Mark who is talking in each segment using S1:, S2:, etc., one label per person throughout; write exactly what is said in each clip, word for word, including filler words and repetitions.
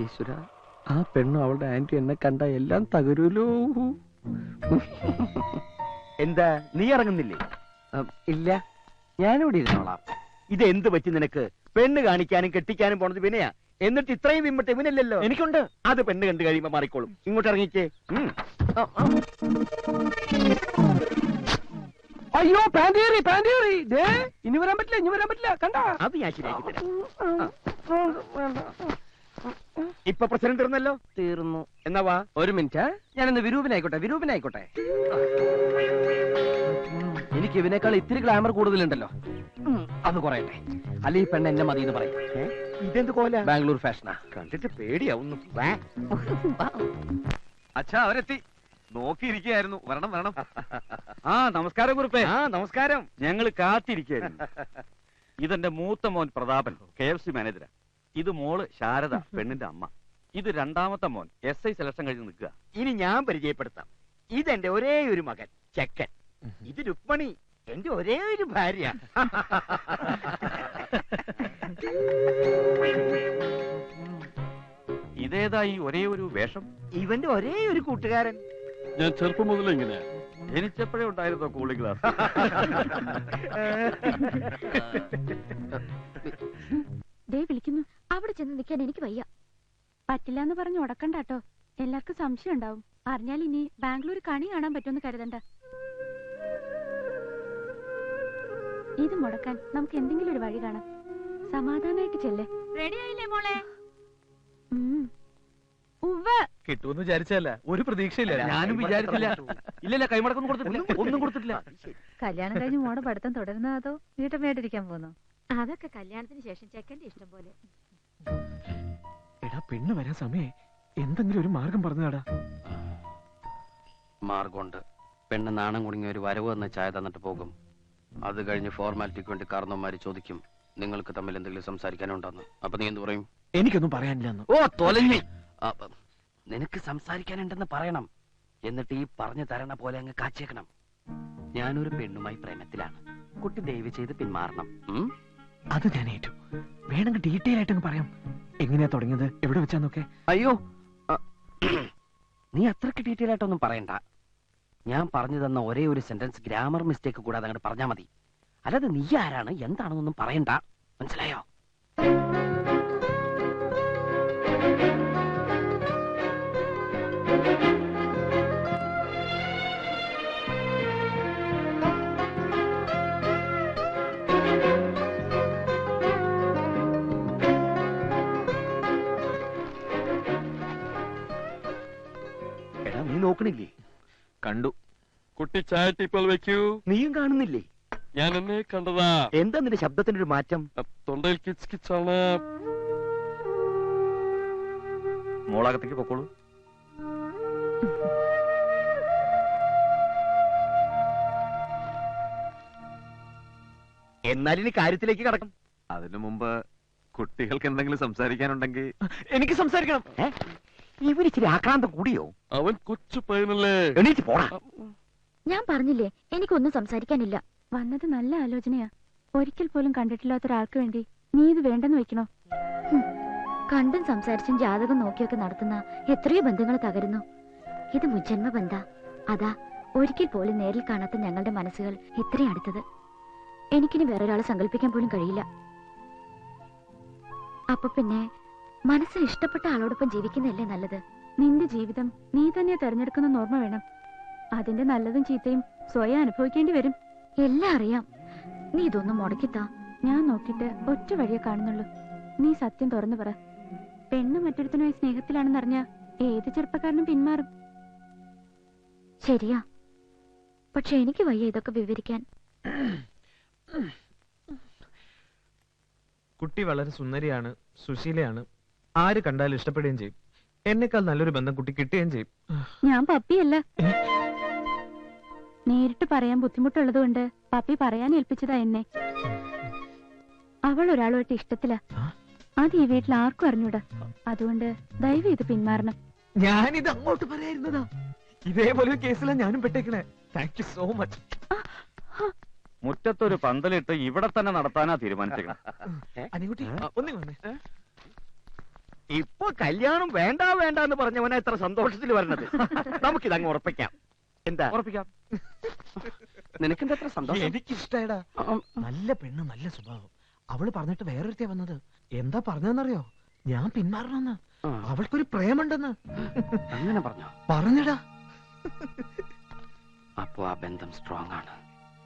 S1: ഈശ്വര, ആ പെണ്ണും അവളുടെ ആന്റി എന്നെ കണ്ട എല്ലാം തകരൂലോ.
S2: എന്താ നീ ഇറങ്ങുന്നില്ലേ?
S1: ഇല്ല, ഞാനിവിടെ ഇരുന്നോളാം.
S2: ഇത് എന്ത് പറ്റി നിനക്ക്? പെണ്ണ് കാണിക്കാനും കെട്ടിക്കാനും പോണത് വിനയാ, എന്നിട്ട് ഇത്രയും വിമ്മട്ട് ഇവനല്ലല്ലോ.
S1: എനിക്കുണ്ട്.
S2: അത് പെണ്ണ് കണ്ടു കഴിയുമ്പോ മാറിക്കോളും. ഇങ്ങോട്ട് ഇറങ്ങിക്കേ.
S1: അയ്യോ, പാൻറ്റേറി പാൻറ്റേറി. ഇനി വരാൻ പറ്റില്ല, ഇനി വരാൻ പറ്റില്ല. കണ്ട,
S2: അത് ഞാൻ ശരിയാക്കി തരാം. ഇപ്പൊ പ്രസിഡന്റ് തീർന്നല്ലോ.
S1: തീർന്നു.
S2: എന്നാ വാ.
S1: ഒരു മിനിറ്റ്, ഞാനിന്ന് വിരൂപനായിക്കോട്ടെ, വിരൂപനായിക്കോട്ടെ. എനിക്ക് ഇവനേക്കാൾ ഇത്തിരി ഗ്ലാമർ കൂടുതലുണ്ടല്ലോ, അത് കുറയട്ടെ. അല്ലെ ഈ പെണ്ണ് എന്നെ മതി എന്ന് പറയും.
S2: ഇതെന്ത് കോല?
S1: ബാംഗ്ലൂർ ഫാഷനാ.
S2: കണ്ടിട്ട് പേടിയാവുന്നു.
S3: അച്ഛാ, അവരെത്തി. നോക്കിയിരിക്കുകയായിരുന്നു. വരണം വരണം.
S2: ആ നമസ്കാരം കുറുപ്പേ. ആ നമസ്കാരം. ഞങ്ങൾ കാത്തിരിക്കുകയായിരുന്നു.
S3: ഇതെന്റെ മൂത്ത മോൻ പ്രതാപൻ, കെ എഫ് സി മാനേജരാ. ഇത് മോള് ശാരദ, പെണ്ണിന്റെ അമ്മ. ഇത് രണ്ടാമത്തെ മോൻ, എസ് ഐ സെലക്ഷൻ കഴിഞ്ഞ് നിൽക്കുക.
S2: ഇനി ഞാൻ പരിചയപ്പെടുത്താം. ഇതെന്റെ ഒരേ ഒരു മകൻ ചെക്കൻ. ഇത് രുക്മണി, എന്റെ ഒരേ ഒരു ഭാര്യ.
S3: ഇതേതായി ഒരേ ഒരു വേഷം?
S2: ഇവന്റെ ഒരേ ഒരു കൂട്ടുകാരൻ.
S3: ഞാൻ ചെറുപ്പം മുതലേ ഇങ്ങനെ ജനിച്ചപ്പോഴേ ഉണ്ടായിരുന്നോ കൂളിംഗ് ഗ്ലാസ്?
S4: ദേ വിളിക്കുന്നു. അവിടെ ചെന്ന് നിൽക്കാൻ എനിക്ക് വയ്യ. പറ്റില്ല എന്ന് പറഞ്ഞ് ഉടക്കണ്ടാട്ടോ, എല്ലാവർക്കും സംശയം ഉണ്ടാവും. അറിഞ്ഞാൽ ഇനി ബാംഗ്ലൂർ കണി കാണാൻ പറ്റുമെന്ന് കരുതണ്ട. ഇത് മുടക്കാൻ നമുക്ക് എന്തെങ്കിലും ഒരു വഴി കാണാം. സമാധാനായിട്ട് ചെല്ലേ.
S5: റെഡി ആയില്ലേ മോളെ?
S1: കിട്ടുമെന്ന് വിചാരിച്ചല്ല, ഒരു പ്രതീക്ഷയില്ല.
S3: ഞാനും വിചാരിച്ചില്ല. ഇല്ലല്ല, കൈമടക്കൊന്നും കൊടുത്തിട്ടില്ല, ഒന്നും കൊടുത്തിട്ടില്ല.
S5: കല്യാണം കഴിഞ്ഞ് മോടെ പഠിത്തം തുടരുന്നോ അതോ വീട്ടമ്മയായിട്ടിരിക്കാൻ പോന്നോ?
S4: അതൊക്കെ കല്യാണത്തിന് ശേഷം ചെക്കന്റെ ഇഷ്ടം പോലെ.
S1: എടാ, പെണ്ണ് വരാൻ സമയേ, എന്തെങ്കിലും ഒരു മാർഗം പറഞ്ഞാടാ.
S6: മാർഗമുണ്ട്. പെണ്ണ് നാണം കുടുങ്ങിയ ഒരു വരവ് എന്ന ചായ തന്നിട്ട് പോകും. അത് കഴിഞ്ഞ് ഫോർമാലിറ്റിക്ക് വേണ്ടി കാരണവന്മാര് ചോദിക്കും, നിങ്ങൾക്ക് തമ്മിൽ എന്തെങ്കിലും സംസാരിക്കാനുണ്ടെന്ന്. അപ്പൊ നീ എന്ത് പറയും?
S1: എനിക്കൊന്നും പറയാനില്ലെന്ന്.
S6: ഓ തൊലഞ്ഞി. നിനക്ക് സംസാരിക്കാനുണ്ടെന്ന് പറയണം. എന്നിട്ട് ഈ പറഞ്ഞു തരണ പോലെ അങ്ങ് കാച്ചേക്കണം. ഞാനൊരു പെണ്ണുമായി പ്രേമത്തിലാണ്. കുട്ടി ദയവ് ചെയ്ത് പിന്മാറണം.
S1: അത് ഞാൻ ഏറ്റു. വേണമെങ്കിൽ ഡീറ്റെയിൽ ആയിട്ടങ്ങ് പറയാം. എങ്ങനെയാ തുടങ്ങിയത്, എവിടെ വെച്ചാന്നൊക്കെ.
S6: അയ്യോ, നീ അത്രക്ക് ഡീറ്റെയിൽ ആയിട്ടൊന്നും പറയണ്ട. ഞാൻ പറഞ്ഞു തന്ന ഒരേ ഒരു സെന്റൻസ് ഗ്രാമർ മിസ്റ്റേക്ക് കൂടാതെ അങ്ങോട്ട് പറഞ്ഞാൽ മതി. അല്ലാതെ നീ ആരാണ് എന്താണെന്നൊന്നും പറയണ്ട. മനസ്സിലായോ?
S2: എടാ, നീ നോക്കണില്ലേ?
S3: കണ്ടു. കുട്ടി ചായ ടീപ്പോൾ വെക്കൂ.
S2: നീയും കാണുന്നില്ലേ?
S3: ഞാൻ എന്നെ കണ്ടതാ.
S2: എന്താ നിന്റെ ശബ്ദത്തിന്റെ ഒരു മാറ്റം?
S3: തൊണ്ടയിൽ കിച്ച് കിച്ചാണ്. മോളകത്തേക്ക് പൊക്കോളൂ.
S2: എന്നാൽ ഇനി കാര്യത്തിലേക്ക് കടക്കും.
S3: അതിനു മുമ്പ് കുട്ടികൾക്ക് എന്തെങ്കിലും സംസാരിക്കാനുണ്ടെങ്കിൽ
S2: എനിക്ക് സംസാരിക്കണം. ഇവരിച്ചിരി ആക്രാന്തം കൂടിയോ?
S3: അവൻ കൊച്ചു പയ്യനല്ലേ.
S2: എണീറ്റ് പോടാ.
S4: ഞാൻ പറഞ്ഞില്ലേ, എനിക്കൊന്നും സംസാരിക്കാനില്ല. വന്നത് നല്ല ആലോചനയാ. ഒരിക്കൽ പോലും കണ്ടിട്ടില്ലാത്ത ഒരാൾക്ക് വേണ്ടി നീ ഇത് വേണ്ടെന്ന് വെക്കണോ? കണ്ടും സംസാരിച്ചും ജാതകം നോക്കിയൊക്കെ നടത്തുന്ന എത്രയോ ബന്ധങ്ങൾ തകരുന്നു. ഇത് മുജ്ജന്മ ബന്ധ. അതാ ഒരിക്കൽ പോലും നേരിൽ കാണാത്ത ഞങ്ങളുടെ മനസ്സുകൾ ഇത്രയും അടുത്തത്. എനിക്കിനി വേറൊരാളെ സങ്കല്പിക്കാൻ പോലും കഴിയില്ല. അപ്പൊ പിന്നെ മനസ്സിൽ ഇഷ്ടപ്പെട്ട ആളോടൊപ്പം ജീവിക്കുന്നതല്ലേ നല്ലത്? നിന്റെ ജീവിതം നീ തന്നെ തെരഞ്ഞെടുക്കുന്ന ഓർമ്മ വേണം. അതിന്റെ നല്ലതും ചീത്തയും സ്വയം അനുഭവിക്കേണ്ടി വരും. എല്ലാം അറിയാം. നീ ഇതൊന്നും മുടക്കിത്താ. ഞാൻ നോക്കിയിട്ട് ഒറ്റ വഴിയെ കാണുന്നുള്ളൂ. നീ സത്യം തുറന്നു പറ. പെണ്ണ് മറ്റൊരുത്തനുമായി സ്നേഹത്തിലാണെന്നറിഞ്ഞ ഏത് ചെറുപ്പക്കാരനും പിന്മാറും. ശരിയാ, പക്ഷെ എനിക്ക് വയ്യ ഇതൊക്കെ വിവരിക്കാൻ.
S7: കുട്ടി വളരെ സുന്ദരിയാണ്, സുശീലയാണ്. ആര് കണ്ടാലും ഇഷ്ടപ്പെടുകയും ചെയ്യും. എന്നെക്കാൾ നല്ലൊരു ബന്ധം കുട്ടി കിട്ടുകയും ചെയ്യും.
S4: ഞാൻ പപ്പിയല്ല. നേരിട്ട് പറയാൻ ബുദ്ധിമുട്ടുള്ളത് കൊണ്ട് പപ്പി പറയാൻ ഏൽപ്പിച്ചതാ എന്നെ. അവൾ ഒരാളുമായിട്ട് ഇഷ്ടത്തില. അത് ഈ വീട്ടിൽ ആർക്കും അറിഞ്ഞൂടാ. അതുകൊണ്ട് ദയവ് ഇത് പിന്മാറണം.
S7: ഞാനിത് അങ്ങോട്ട് പറയായിരുന്നതാ. ഇതേപോലെ കേസിലാണ് ഞാനും പെട്ടേക്കണേ. Thank you so much.
S3: മുറ്റത്തൊരു പന്തലിട്ട് ഇവിടെ തന്നെ നടത്താനാ തീരുമാനിച്ചേക്കണം.
S7: അനികുട്ടി ഒന്നും വന്നേ.
S2: ഇപ്പൊ കല്യാണം വേണ്ട വേണ്ട എന്ന് പറഞ്ഞവനാ ഇത്ര സന്തോഷത്തിൽ വരണത്. നമുക്കിതങ്ങ് ഉറപ്പിക്കാം. എന്താ?
S3: ഉറപ്പിക്കാം.
S6: നിനക്കെന്താ എത്ര സന്തോഷം?
S7: എനിക്കിഷ്ടായടാ. നല്ല പെണ്ണ്, നല്ല സ്വഭാവം. അവള് പറഞ്ഞിട്ട് വേറൊരുത്തേ വന്നത്. എന്താ പറഞ്ഞതെന്നറിയോ? ഞാൻ പിന്മാറണമെന്ന്. അവൾക്കൊരു പ്രേമുണ്ടെന്ന്.
S6: അങ്ങനെ പറഞ്ഞോ?
S7: പറഞ്ഞടാ.
S6: അപ്പോ ആ ബന്ധം സ്ട്രോങ് ആണ്.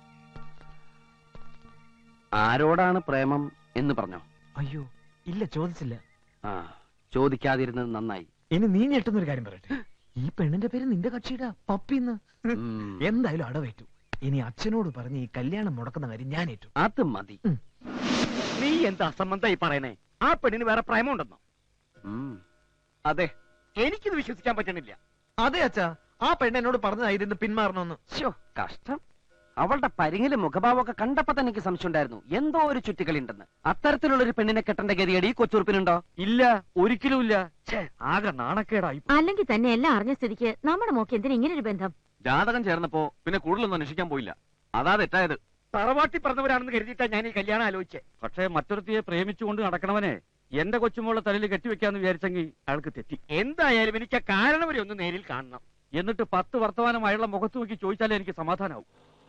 S6: ആരോടാണ് പ്രേമം എന്ന് പറഞ്ഞോ?
S7: അയ്യോ ഇല്ല, ചോദിച്ചില്ല.
S6: ആ, ചോദിക്കാതിരുന്നത് നന്നായി.
S7: ഇനി നീ ഞെട്ടുന്നൊരു കാര്യം പറയട്ടെ. ഈ പെണ്ണിന്റെ പേര് നിന്റെ കക്ഷിയുടെ പപ്പിന്ന്.
S6: ഉം.
S7: എന്തായാലും അടവേറ്റു. ഇനി അച്ഛനോട് പറഞ്ഞ് ഈ കല്യാണം മുടക്കുന്ന കാര്യം ഞാൻ ഏറ്റു.
S6: അത് മതി.
S2: നീ എന്താ അസംബന്ധമായി പറയണേ? ആ പെണ്ണിന് വേറെ പ്രേമുണ്ടെന്നോ?
S6: ഉം.
S2: അതെ, എനിക്കിത് വിശ്വസിക്കാൻ പറ്റണില്ല.
S7: അതെ അച്ഛാ, ആ പെണ്ണ് എന്നോട് പറഞ്ഞതായിരുന്നു പിന്മാറണമെന്ന്.
S6: ശ്ശോ, കഷ്ടം. അവളുടെ പരിങ്ങിലും മുഖഭാവമൊക്കെ കണ്ടപ്പോ തന്നെ എനിക്ക് സംശയം ഉണ്ടായിരുന്നു, എന്തോ ഒരു ചുറ്റിക്കളി ഉണ്ടെന്ന്. അത്തരത്തിലുള്ള ഒരു പെണ്ണിനെ കെട്ടേണ്ട ഗതിയടി കൊച്ചുറുപ്പിനുണ്ടോ?
S3: ഇല്ല, ഒരിക്കലും ഇല്ല. ആകെ നാണക്കേടായി.
S4: അല്ലെങ്കിൽ തന്നെ എല്ലാം അറിഞ്ഞ സ്ഥിതിക്ക് നമ്മുടെ മോക്ക് എന്തിനാ ഇങ്ങനെ ഒരു ബന്ധം?
S3: ജാതകം ചേർന്നപ്പോ പിന്നെ കൂടുതലൊന്നും അന്വേഷിക്കാൻ പോയില്ല. അതാ തെറ്റായത്.
S2: തറവാട്ടി പറഞ്ഞവരാണെന്ന് കരുതിയിട്ടാ ഞാൻ ഈ കല്യാണം ആലോചിച്ചേ.
S3: പക്ഷേ മറ്റൊരുത്തിയെ പ്രേമിച്ചുകൊണ്ട് നടക്കണവനെ എന്റെ കൊച്ചുമോളെ തലയിൽ കെട്ടിവെക്കാന്ന് വിചാരിച്ചെങ്കിൽ അയാൾക്ക് തെറ്റി.
S2: എന്തായാലും എനിക്ക് ആ കാരണം വരെ ഒന്ന് നേരിൽ കാണണം.
S3: എന്നിട്ട് പത്ത് വർത്തമാനം അയാളുടെ മുഖത്ത് നോക്കി ചോദിച്ചാലേ എനിക്ക് സമാധാനാവും.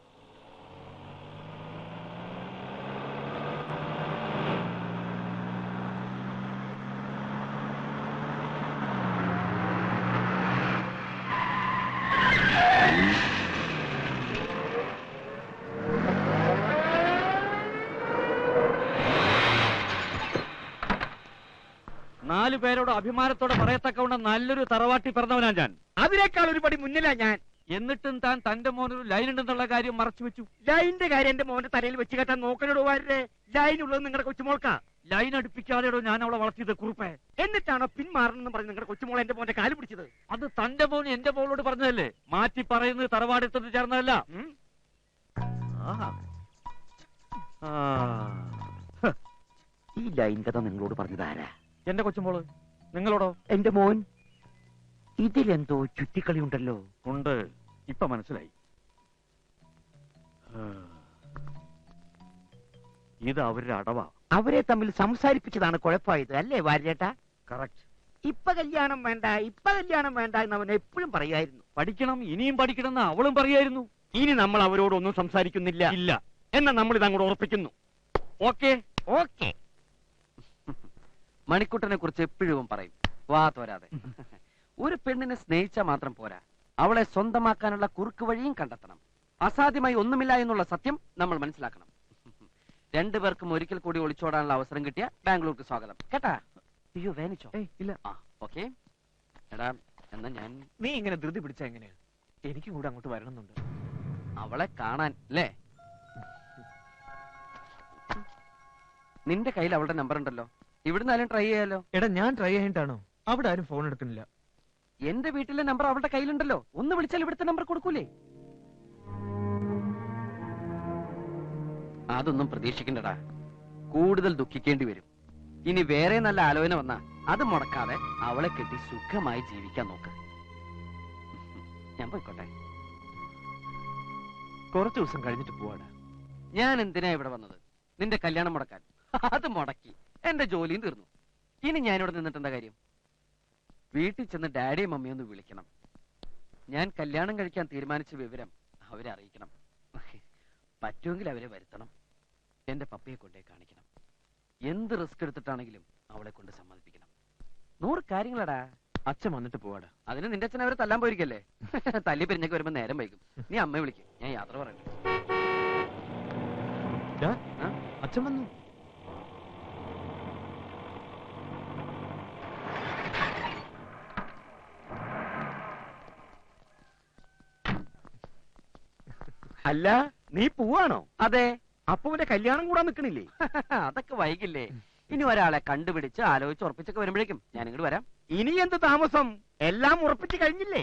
S3: നാലു പേരോട് അഭിമാനത്തോടെ പറയത്തക്കവണ്ണം നല്ലൊരു തറവാട്ടി പിറന്നവനാ ഞാൻ.
S2: അതിനേക്കാൾ ഒരു പടി മുന്നിലാ ഞാൻ.
S3: എന്നിട്ടും താൻ തന്റെ മോനൊരു ലൈൻ ഉണ്ടെന്നുള്ള കാര്യം മറച്ചു വെച്ചു.
S2: ലൈനിന്റെ കാര്യം എന്റെ മോന്റെ തലയിൽ വെച്ച് കേട്ടാൻ നോക്കണോട് വാരേ. ലൈൻ ഉള്ളത് നിങ്ങളുടെ കൊച്ചുമോൾക്കാ.
S3: ലൈൻ അടുപ്പിക്കാതെയോ ഞാൻ അവളെ വളർത്തിയത് കുറുപ്പേ.
S2: എന്നിട്ടാണോ പിന്മാറണമെന്ന് പറഞ്ഞ് നിങ്ങളുടെ കൊച്ചുമോൾ എന്റെ മോന്റെ കാല് പിടിച്ചത്?
S3: അത് തന്റെ മോൻ എന്റെ മോളോട് പറഞ്ഞതല്ലേ? മാറ്റി പറയുന്നത് തറവാടെടുത്തത് ചേർന്നതല്ല.
S2: ഈ ലൈൻ കഥ നിങ്ങളോട് പറഞ്ഞതാരാ?
S3: എന്റെ കൊച്ചുമോള്. നിങ്ങളോടോ?
S2: എന്റെ മോൻ. ഇതിലെന്തോ ചുറ്റിക്കളി ഉണ്ടല്ലോ.
S3: ഉണ്ട്, ഇപ്പൊ മനസ്സിലായി. ഇത് അവരുടെ അടവാ.
S2: അവരെ തമ്മിൽ സംസാരിപ്പിച്ചതാണ് കുഴപ്പമായത് അല്ലേ വാര്യേട്ടാ?
S3: കറക്റ്റ്.
S2: ഇപ്പൊ കല്യാണം വേണ്ട, ഇപ്പൊ കല്യാണം വേണ്ട എന്ന് അവൻ എപ്പോഴും പറയായിരുന്നു.
S3: പഠിക്കണം, ഇനിയും പഠിക്കണം എന്ന് അവളും പറയായിരുന്നു.
S2: ഇനി നമ്മൾ അവരോടൊന്നും സംസാരിക്കുന്നില്ല.
S3: ഇല്ല.
S2: എന്നാ നമ്മൾ ഇത് അങ്ങോട്ട് ഉറപ്പിക്കുന്നു.
S3: Okay
S2: okay.
S6: മണിക്കുട്ടനെ കുറിച്ച് എപ്പോഴും പറയും, വാ തോരാതെ. ഒരു പെണ്ണിനെ സ്നേഹിച്ചാൽ മാത്രം പോരാ, അവളെ സ്വന്തമാക്കാനുള്ള കുറുക്ക് വഴിയും കണ്ടെത്തണം. അസാധ്യമായി ഒന്നുമില്ല എന്നുള്ള സത്യം നമ്മൾ മനസ്സിലാക്കണം. രണ്ടുപേർക്കും ഒരിക്കൽ കൂടി ഒളിച്ചോടാനുള്ള അവസരം കിട്ടിയ ബാംഗ്ലൂർക്ക് സ്വാഗതം. കേട്ടാ? അയ്യോ വേനിച്ചോ?
S7: ഇല്ല.
S6: ആ ഓക്കെ. എടാ എന്നാ ഞാൻ.
S7: നീ ഇങ്ങനെ ധൃതി പിടിച്ചാ എങ്ങനെയാ? എനിക്കും കൂടെ അങ്ങോട്ട് വരണമെന്നുണ്ട്.
S6: അവളെ കാണാൻ അല്ലേ? നിന്റെ കയ്യിൽ അവളുടെ നമ്പർ ഉണ്ടല്ലോ, ഇവിടുന്ന് ആരും ട്രൈ ചെയ്യാലോ.
S7: എടാ ഞാൻ ട്രൈ ചെയ്തിട്ടാണോ? അവിടെ ആരും ഫോൺ എടുക്കുന്നില്ല.
S6: എന്റെ വീട്ടിലെ നമ്പർ അവളുടെ കയ്യിലുണ്ടല്ലോ, ഒന്ന് വിളിച്ചാൽ ഇവിടുത്തെ നമ്പർ കൊടുക്കൂലേ? അതൊന്നും പ്രതീക്ഷിക്കണ്ടടാ, കൂടുതൽ ദുഃഖിക്കേണ്ടി വരും. ഇനി വേറെ നല്ല ആലോചന വന്നാ അത് മുടക്കാതെ അവളെ കെട്ടി സുഖമായി ജീവിക്കാൻ നോക്ക്. ഞാൻ പോയിക്കോട്ടെ.
S7: കുറച്ചു ദിവസം കഴിഞ്ഞിട്ട് പോവാടാ.
S6: ഞാൻ എന്തിനാ ഇവിടെ വന്നത്? നിന്റെ കല്യാണം മുടക്കാൻ. അത് മുടക്കി എന്റെ ജോലിയും തീർന്നു. ഇനി ഞാനിവിടെ നിന്നിട്ട് എന്താ കാര്യം? വീട്ടിൽ ചെന്ന് ഡാഡിയും മമ്മിയും ഒന്ന് വിളിക്കണം. ഞാൻ കല്യാണം കഴിക്കാൻ തീരുമാനിച്ച വിവരം അവരെ അറിയിക്കണം. പറ്റുമെങ്കിൽ അവരെ വരുത്തണം. എന്റെ പപ്പയെ കൊണ്ടേ കാണിക്കണം. എന്ത് റിസ്ക് എടുത്തിട്ടാണെങ്കിലും അവളെ കൊണ്ട് സമ്മതിപ്പിക്കണം. നൂറ് കാര്യങ്ങളടാ.
S7: അച്ഛൻ വന്നിട്ട് പോവാടാ.
S6: അതിന് നിന്റെ അച്ഛൻ അവരെ തല്ലാൻ പോയിരിക്കല്ലേ? തല്ലി പിരിഞ്ഞൊക്കെ വരുമ്പോ നേരം വൈകും. നീ അമ്മയെ വിളിക്കും, ഞാൻ യാത്ര പറയട്ടെ.
S7: അച്ഛൻ വന്നു.
S2: അല്ല, നീ പോവാണോ?
S6: അതെ.
S2: അപ്പൊ അവന്റെ കല്യാണം കൂടാൻ നിക്കണില്ലേ?
S6: അതൊക്കെ വൈകില്ലേ? ഇനി ഒരാളെ കണ്ടുപിടിച്ച് ആലോചിച്ച് ഉറപ്പിച്ചൊക്കെ വരുമ്പോഴേക്കും ഞാൻ ഇങ്ങോട്ട് വരാം.
S2: ഇനി എന്ത് താമസം? എല്ലാം ഉറപ്പിച്ച് കഴിഞ്ഞില്ലേ?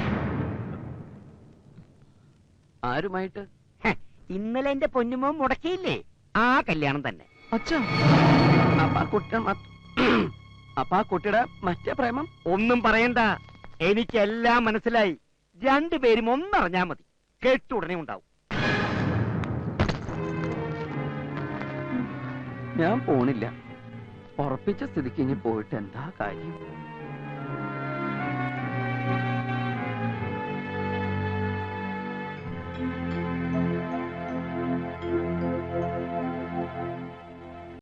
S6: ആരുമായിട്ട്?
S2: ഇന്നലെ എന്റെ പൊന്നുമോ മുടക്കിയില്ലേ? ആ കല്യാണം തന്നെ.
S7: അച്ഛാ,
S6: അപ്പൊ ആ കുട്ടി അപ്പൊ ആ കുട്ടിയുടെ മറ്റേ പ്രേമം
S2: ഒന്നും പറയണ്ട, എനിക്കെല്ലാം മനസ്സിലായി. രണ്ടുപേരും ഒന്നറിഞ്ഞാ മതി, കേട്ടുടനെ ഉണ്ടാവും.
S6: ഞാൻ പോണില്ല. ഉറപ്പിച്ച സ്ഥിതിക്ക് ഇനി പോയിട്ട് എന്താ കാര്യം?